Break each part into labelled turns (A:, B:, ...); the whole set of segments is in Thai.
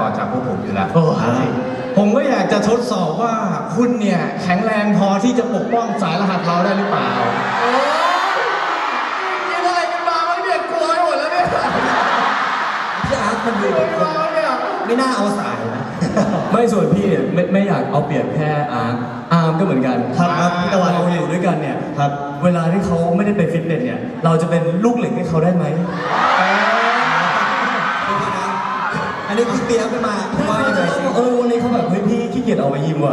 A: จากพวกผมอยู่แล้ว
B: ผมก็อยากจะทดสอบว่าคุณเนี่ยแข็งแรงพอที่จะปกป้องสายรหัสเราได้หรือเปล่ากินอะไรกันมาบ้างเนี่ยกลัวหมดแล้วเนี่ย
C: พี่อาร์ตมันดูไม่น่าเอาสายนะ
D: ไม่ส่วนพี่เนี่ยไม่อยากเอาเปรียบแค่อาร์มก็เหมือนกัน
C: ครับพี่ตะวัน
D: เราอยู่ด้วยกันเนี่ย
C: ครับ
D: เวลาที่เขาไม่ได้ไปฟิตเนสเนี่ยเราจะเป็นลูกเหล็กให้เขาได้ไหม
C: อันนี้พี่เปียกขึ้นมาว่ายังไงสิ
D: วันนี้เขาแบบเฮ้ยพี่ขี้เกียจออกมายิมว่ะ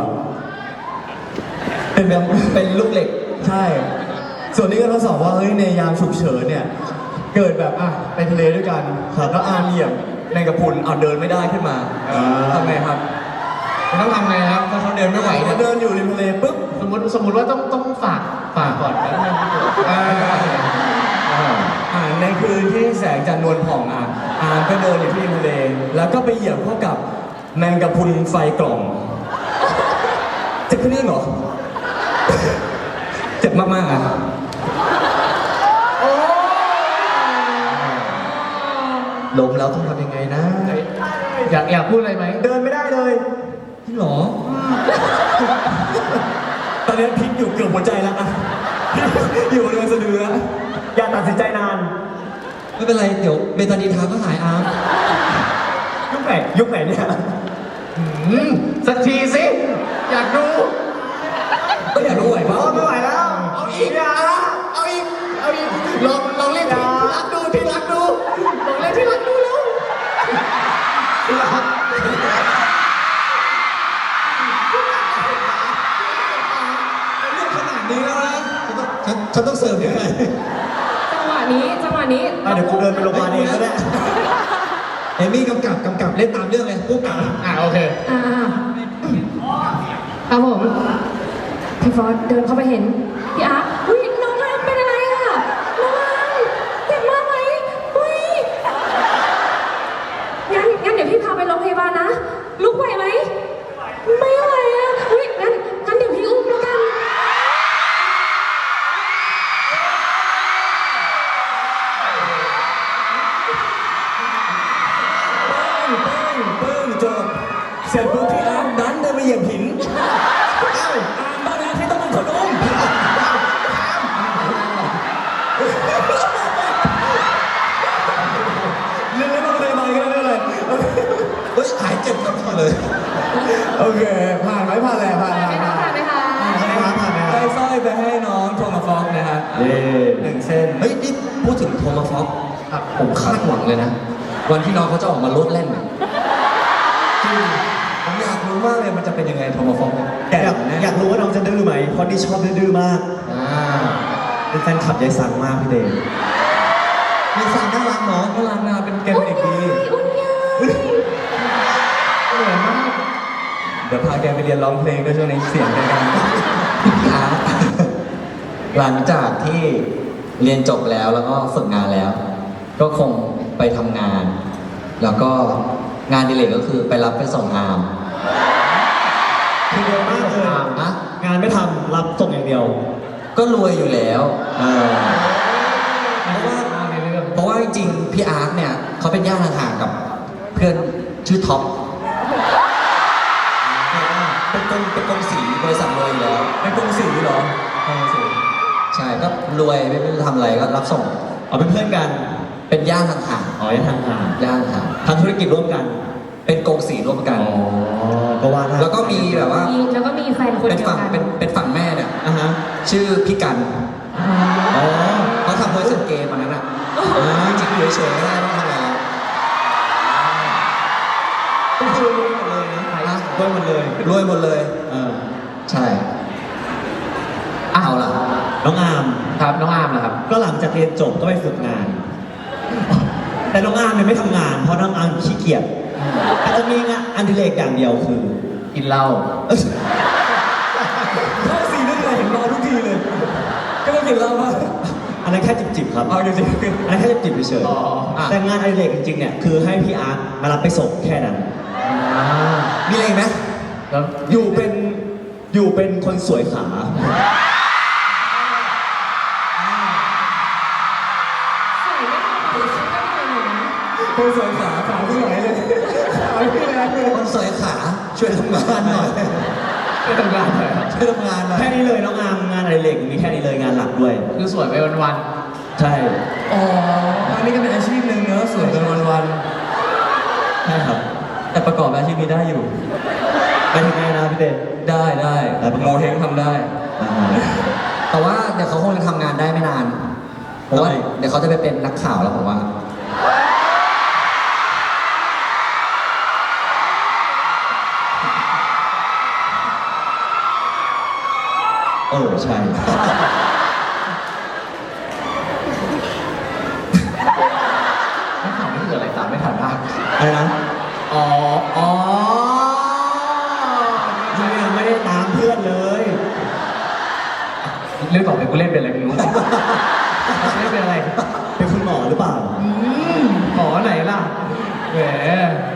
C: เป็นแบบเป็นลูกเหล็ก
D: ใช่ ส่วนนี้ก็ทดสอบว่าเฮ้ยในยามฉุกเฉินเนี่ยเกิดแบบไปทะเลด้วยกันแล้วอาร์มเหยียบในกระพุนเดินไม่ได้ขึ้นมาทำไงครับ
B: ต้องทำไงครับถ้าเขาเดินไม่ไหวเนี่ย
D: เดินอยู่ริมทะเลปุ๊บ
B: สมมติว่าต้องฝากก่อนแล้วมันไม่เกิด
D: ในคืนที่แสงจันทร์นวลผ่องอาร์มก็เดินอยู่ที่ริมทะเลแล้วก็ไปเหยียบเข้ากับแมงกะพรุนไฟกล่องเจ็บแค่นี้เหรอ เจ็บมากๆอ่ะ
C: ล้มแล้วต้องทำยังไงนะ
B: อยากพูดอะไรไหม
D: เดินไม่ได้เลย
C: พี่หรอ
D: ตอนนี้พิษอยู่เกือบหัวใจแล้วอะอยู่บริเวณสะดือแล้วอย่าตัดสินใจนาน
C: ไม่เป็นไรเดี๋ยวเบตาดีนทาก็หายอาร์ม
D: ยุคไหนเนี่ย
B: สักทีสิ อยากดู
D: ก็อยากรู้ไหวปะ
B: ไม่ไหวแล้ว เอาอีกเอาอีกลองเล่นที่รักดูลองเล่นที่รักดูแล้วที่รักเรื่องขนาดนี้แล้วนะ
C: ฉันต้องเสิร์ฟยังไง
E: จังหวะนี้
D: เดี๋ยวกูเดินไปโรงพยาบาลเองก็ได้
C: เอมี่กำกับเล่นตามเรื่องเลยผู้กำกับ
B: โอเค
E: ครับผม พี่ฟอสเดินเข้าไปเห็น พี่อาร์ตอุ้ยน้องอาร์ตเป็นอะไรอ่ะ น้องอาร์ตเจ็บมากไหมอุ้ยงั้นเดี๋ยวพี่พาไปโรงพยาบาลนะ ลุกไหวไหม ไม่ไหวอ่ะอุ้ยงั้นเดี๋ยวพี่อุ้มแล้วกัน
D: ปึ้งจบเสร็จปุ๊บพี่อาร์มดันเดินไปเหยียบหินอาร์มบ้านอาร์มที่ต้องเป็นคนอุ้มเรื่องโรงพยาบาลกันเลย
C: เฮ้ยหายเจ็บกันหมดเลย
D: โอเคผ่านไหมผ่านแล้วผ่าน
E: ผ่านไหมคะผ่านไหมคะ
D: ได้สร้อยไปให้น้องโทมัสฟอกนะฮะ1 เส้น
C: เฮ้ยนี่พูดถึงโทมัสฟ็อกผมคาดหวังเลยนะ วันที่น้องเขาจะออกมาโลดแล่นจริงผมอยากรู้มากเลยมันจะเป็นยังไงโทมัสฟ็อกเนี่ย
F: อยากรู้ว่าน้องจะดื้อไหมเพราะนี่ชอบดื้อมาก เป็นแฟนคลับยายสังมากพี่เดช
C: มีสารน่ารักเนาะ
D: น่ารักนะเป็นเกมเด็กดี
E: อุ่นยาย
D: เดี๋ยวพาแกไปเรียนร้องเพลงด้วยช่วงนี้เสียงเป็นกัน
C: พี่อาร์ตหลังจากที่เรียนจบแล้วก็ฝึกงานแล้ว ก็คงไปทำงาน แล้วก็งานอดิเรกก็คือไปรับไปส่งอาร์ม
F: คือเร็วมากเลย
C: นะ
F: งานไม่ทำรับส่งอย่างเดียว
C: ก็รวยอยู่แล้วเพราะว่าจริงๆพี่อาร์ตเนี่ยเขาเป็นญาติห่างๆกับเพื่อนชื่อท็อปเป็นกงสีบริษัทรวยอยู่แล้ว
D: เป็นกรุงศรีเหรอ
C: ใช่ก็รวยไม่รู้จะทำอะไรก็รับส่ง
F: เอาเป็นเพื่อนกัน
C: เป็นญาติห่าง
F: อ๋อยังทางงาน
C: ๆญาติห่าง
F: ทำธุรกิจร่วมกัน
C: เป็นกงสีร่วมกัน
F: ก็ว่าได้
C: แล้วก็มีแบบว่า
E: แล้วก็มีแฟนคน
C: เป็น
E: เดียว
C: ฝั่ง
E: กัน
C: เป็นฝั่งแม่เนี่ย ชื่อพี่กัน
F: อ๋อ
C: เขาทำบริษัทเกมอันนั้นอ่ะจริงๆอยู่เฉยๆไม่ได้ต้องทำอะไรแล้ว
F: ก็คือรวยหมดเลยนะรวยหมดเลย
C: รวยหมดเลย ใช่เอาล่ะ
F: น้องอาร์ม
B: ครับน้องอาร์มนะครับ
F: ก็หลังจากเรียนจบก็ไปฝึกงาน แต่น้องอาร์มเนี่ยไม่ทำงาน เพราะน้องอาร์มขี้เกียจอาจจะมีงานอดิเรกอย่างเดียวคือ
B: กินเหล้า
D: เข้าซีนั่นเลยเห็นมาทุกทีเลย ก็ต้องกินเหล้าป่ะ
F: อันนั้นแค่จิบๆครับ
D: เอาจริง
F: อันนั้นแค่จิบๆเฉย
B: อ๋อ
F: ๆแต่งานอดิเรกจริงๆเนี่ยคือให้พี่อาร์ตมารับไปส่งแค่นั้น
C: มีอะไรอีกไหม
B: แล้ว
F: อยู่เป็นคนสวยขา
E: ใส่ไม่พอชุดก็เหนื่อยนะ
D: ๆคนสวยขาที่ไหนเลยขาที่ไหน
C: สอยขาช่วยทำงานหน่อย
B: ไปทำงานหน่อยครับ
C: ช่วยทำงานหน่อย
F: แค่นี้เลยน้องอาร์มงานอดิเรกมีแค่นี้เลยงานหลักด้วย
B: คือสวยไปวัน
F: ใช่
D: อ๋ออันนี้ก็เป็นอาชีพหนึ่งเนอะสวยกันวัน
F: ใช่ครับ
D: ๆแต่ประกอบอาชีพนี้ได้อยู่
F: ไปถึงไงนะพี่เต้
D: ได้
F: ได้ประก
D: โม
F: อบ
D: เฮงทำได้
C: แต่ว่าเดี๋ยวเขาคงจะทำงานได้ไม่นาน เพราะว่า
D: ทำไม
C: เดี๋ยวเขาจะไปเป็นนักข่าวแล้วผมว่า
F: ใช่
B: ๆนักข่าวนี่คืออะไรตามไม่ทันมาก
F: อะไรนะ
B: อ๋อ
F: ยังไม่ได้ตามเพื่อนเลย
B: เรื่องต่อไปกูเล่นเป็นอะไรไม่รู้ เล่นเป็นอะไร
F: เป็นคุณหมอหรือเปล่า
B: หมอไหนล่ะ แหม